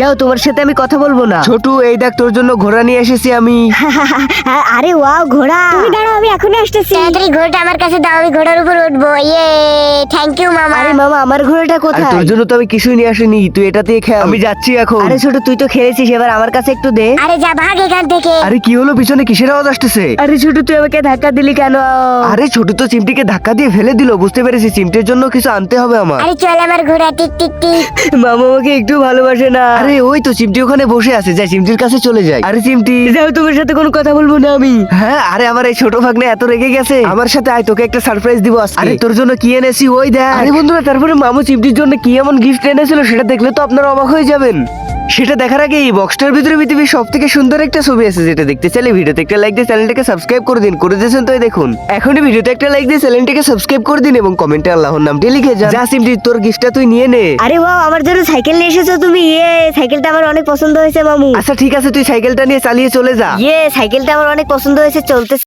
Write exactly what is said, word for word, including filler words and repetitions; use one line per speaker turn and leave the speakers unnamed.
যাও, তোমার সাথে আমি কথা বলবো না। ছোটু, এই দেখ তোর জন্য ঘোড়া নিয়ে এসেছি আমি।
আরে ওয়াও, ঘোড়া। তুমি দাঁড়াও, আমি এখনই আসতেছি।
তাড়াতাড়ি ঘোড়াটা আমার কাছে দাও, আমি ঘোড়ার উপর উঠবো। ইয়ে, থ্যাংক ইউ মামা।
আরে মামা, আমার ঘোড়াটা
আচ্ছা।
কোথায়? তোর জন্য তো আমি কিছুই নিয়ে আসিনি, তুই এটা দিয়ে খেল। আমি যাচ্ছি এখন। আরে ছোট, তুই তো খেলেছিস, এবার আমার কাছে একটু দে।
আরে যা, ভাগ এখান থেকে।
আরে কি হলো, পিছনে কিসের আওয়াজ আসতেছে? আরে ছোট, তুই আমাকে ধাক্কা দিলি কেন? আরে ছোট তো চিমটিকে ধাক্কা দিয়ে ফেলে দিল, বুঝতে পেরেছি। চিমটির জন্য কিছু আনতে হবে আমার।
আরে চল, আমার ঘোড়া টিক টিক টিক।
মামা আমাকে একটু ভালোবাসে না। আরে ওই তো চিমটি ওখানে বসে আছে, যাই চিমটির কাছে চলে যাই। আরে চিমটি, যাও, তোমার সাথে কোনো কথা বলবো না আমি। হ্যাঁ, আরে আমার এই ছোট ভাগ্নে এত রেগে গেছে। আমার সাথে আয়, তোকে একটা সারপ্রাইজ দিব আজকে। আরে তোর জন্য কি এনেছি ওই দেখ। আরে বন্ধুরা, তারপরে মামু চিমটির জন্য কি এমন গিফট এনেছিল সেটা দেখলে তো আপনারা অবাক হয়ে যাবেন। সেটা দেখার আগে এই বক্সটার ভিতরে পৃথিবীর সব থেকে সুন্দর একটা ছবি আছে, যেটা দেখতে চাইলে ভিডিওতে একটা লাইক দিয়ে চ্যানেলটাকে সাবস্ক্রাইব করে দিন। করে দিয়েছেন তো? এই দেখুন, এখনই ভিডিওতে একটা লাইক দিয়ে চ্যানেলটাকে সাবস্ক্রাইব করে দিন এবং কমেন্টে আল্লাহর নামটি লিখে যান। যা সিমটি, তোর গিফটটা তুই নিয়ে নে।
আরে ওয়াও, আমার জন্য সাইকেল নিয়ে এসেছো তুমি। ইয়ে, সাইকেলটা আমার অনেক পছন্দ হয়েছে মামু।
আচ্ছা ঠিক আছে, তুই সাইকেলটা নিয়ে চালিয়ে চলে যা।
ইয়ে, সাইকেলটা আমার অনেক পছন্দ হয়েছে, চলতে